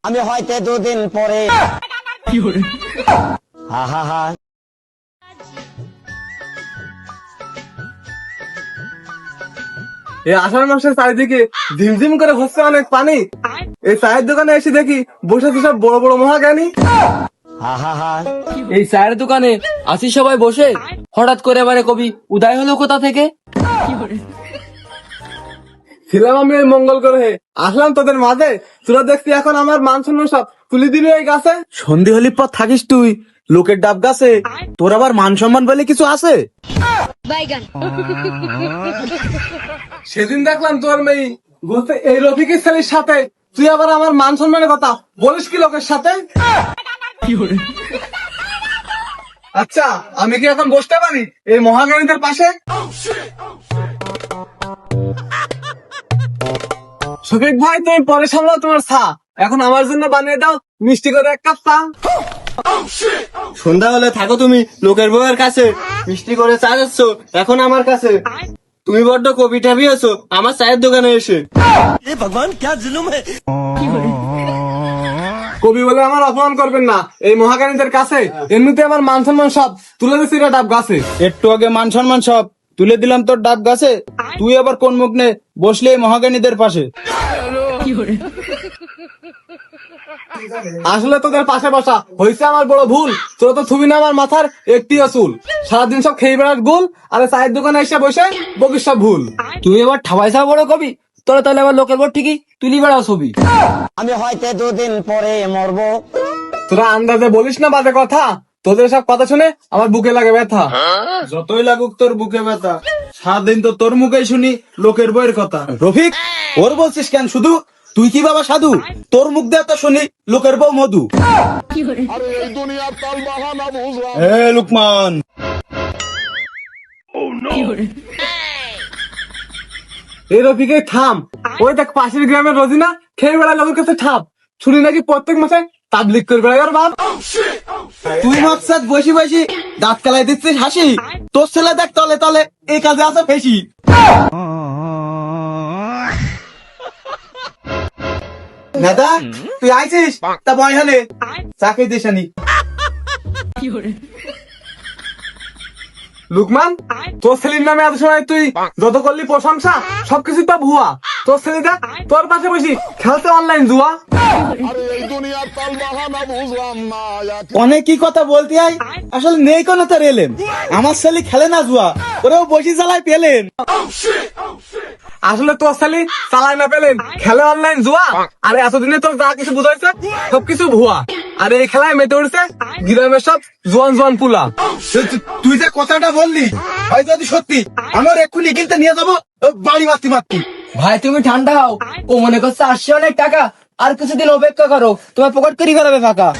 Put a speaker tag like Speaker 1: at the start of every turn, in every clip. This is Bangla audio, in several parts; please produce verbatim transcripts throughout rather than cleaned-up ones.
Speaker 1: আমি হয়তো দুদিন পরে হা হা হা
Speaker 2: এই আষাঢ় মাসের চারিদিকে ঝিমঝিম করে হচ্ছে অনেক পানি। এই চায়ের দোকানে এসে দেখি বসে আছে সব বড় বড় মহাজ্ঞানী।
Speaker 1: হা হা হা
Speaker 3: এই চায়ের দোকানে আসি সবাই বসে, হঠাৎ করে এবারে কবি উদয় হলো কোথা থেকে?
Speaker 2: ছিলাম আমি এই মঙ্গল গ্রহে, আসলাম তোদের মাঝে। তোরা দেখছি এখন আমার মান সম্মান সব তুলে দিবি এই গাছে।
Speaker 4: সন্ধি হলি পর থাকিস তুই লোকের ডাব গাছে, তোর আবার মান সম্মান বলে কিছু আছে?
Speaker 5: বাইগান
Speaker 2: সেদিন দেখলাম তোর মেয়ে বলতে এই রফিকের ছেলের সাথে, তুই আবার আমার মান সম্মানের কথা বলিস কি লোকের সাথে? আচ্ছা আমি কি এখন বসতে পারি এই মহাজ্ঞানীদের পাশে? শফিক ভাই তুমি পরে সামলাও তোমার চা, এখন আমার জন্য বানিয়ে দাও মিষ্টি করে এক কাপ চা।
Speaker 4: সন্ধ্যা হলে থাকো তুমি লোকের বউয়ের কাছে, মিষ্টি করে চা যাচ্ছ এখন আমার কাছে। তুমি বড্ড কবি ঠাবি আছো আমার চায়ের দোকানে এসে।
Speaker 2: কবি বলে আমার অপমান করবেন না এই মহাজ্ঞানীদের কাছে, এমনিতে আমার মান সম্মান সব তুলে দিচ্ছি রে ডাব গাছে।
Speaker 4: একটু আগে মান সম্মান সব তুলে দিলাম তোর ডাব গাছে, তুই আবার কোন মুখ নে বসলে এই মহাজ্ঞানীদের পাশে?
Speaker 2: আসলে তোদের পাশে বসা হয়েছে আমার বড় ভুল। তোরা তো থুবি না আমার মাথার একটি চুল, সারাদিন সব খেয়ে বেড়ার গুল, আর এই চায়ের দোকানে এসে বসে বকিস সব ভুল।
Speaker 3: তুই এবার ঠাবাইসা বড় কবি, তোরা তাহলে আবার লোকের বড় ঠিকই তুলি বেড়াও ছবি।
Speaker 1: আমি হয়তো দুদিন পরে মরবো।
Speaker 2: তোরা আন্দাজে বলিস না বাজে কথা, তোদের সব কথা শুনে আমার বুকে লাগে ব্যথা।
Speaker 4: যতই লাগুক তোর বুকে ব্যথা, সারাদিন তো তোর মুখেই শুনি লোকের বইয়ের কথা। রফিক ওর বলছিস কেন শুধু? তুই কি বাবা সাধু? তোর মুখ দিয়ে তো শুনি লোকের বউ মধু। এ লুকমান,
Speaker 2: এই রফিকে থাম, ওই দেখ পাশের গ্রামের রোজিনা খেয়ে বেড়ায় লোকের কাছে ঠাপ, শুনি নাকি প্রত্যেক মাসে তাবলিক করে বেড়ায় ওর বাপ।
Speaker 4: তুই মাত্র বসি বসি দাঁত কালাই দিচ্ছিস হাসি, তোর ছেলে দেখ তলে তলে এই কাজে আছে ফেসি। দাদা তুই আইছিস তা বয় হলে চাকরি দিসানি।
Speaker 2: লুকমান তোর ছেলের নামে এত সময় তুই যত করলি প্রশংসা সবকিছু তো ভুয়া। তোর ছেলে দেখ তোর পাশে বসি খেলতে অনলাইন জুয়া।
Speaker 4: অনেক কি কথা বলতে হয়, আসলে নেই কোনো তার এলেন। আমার ছেলে খেলে না জুয়া, ওরেও বসি চালায় পেলেন।
Speaker 2: আসলে তোর ছেলে চালাই না পেলেন খেলে অনলাইন জুয়া, আর এতদিনে তোর যা কিছু বুঝাইছে সবকিছু ভুয়া। আর এই খেলায় মেতে উঠছে গ্রামের সব জোয়ান জোয়ান পুলা।
Speaker 4: তুই যে কথাটা বললি ভাই যদি সত্যি, আমার এক্ষুনি কিনতে নিয়ে যাবো বাড়ি মারতি মারতি।
Speaker 3: ভাই তুমি ঠান্ডা হও, ও মনে করছে আসছে অনেক টাকা, আর কিছুদিন অপেক্ষা করো, তোমার পকেট করি ফেলাবে ফাঁকা।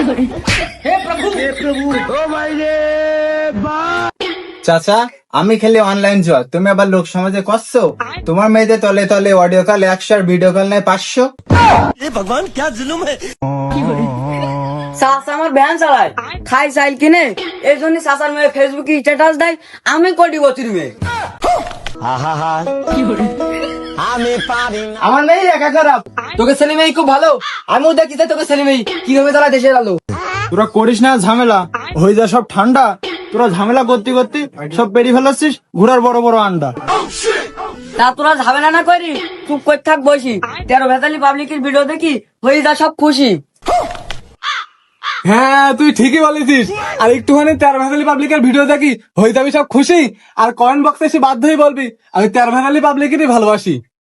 Speaker 4: চাচা আমি খেলে অনলাইন জুয়া, তুমি আবার লোক সমাজে করছো? তোমার মেয়েদের তলে তলে অডিও কল একশো আর ভিডিও কল নেয় পাঁচশো।
Speaker 6: চাচা আমার ভ্যান চালায়, খাই চাইল কিনে, এই জন্য চাচার মেয়ে ফেসবুকে স্ট্যাটাস দেয় আমি কোটি বছর মেয়ে।
Speaker 1: হা হা হা আমি পারি না।
Speaker 3: আমার মেয়ে একা খারাপ, তোকে ছেলে মেয়ে খুব ভালো, আমিও দেখি যে তোকে ছেলে মেয়ে কিভাবে তারা দেশের আলো।
Speaker 4: তোরা করিস না ঝামেলা, হয়ে যা সব ঠান্ডা। তোরা ঝামেলা করতে করতে সব পেরিয়ে ফেলাচ্ছিস ঘোড়ার বড় বড় আন্ডা।
Speaker 6: তা তোরা ঝামেলা না করি চুপ করে থাক বসি, তেরো ভেতালি পাবলিকের ভিডিও দেখি হয়ে যা সব খুশি।
Speaker 2: হ্যাঁ তুই ঠিকই বলেছিস, আর একটুখানি তেরো ভেতালি পাবলিকের ভিডিও দেখি হয়ে যাবি সব খুশি, আর কমেন্ট বক্সে এসে বাধ্য হয়ে বলবি আমি তেরো ভেতালি পাবলিকেরই ভালোবাসি।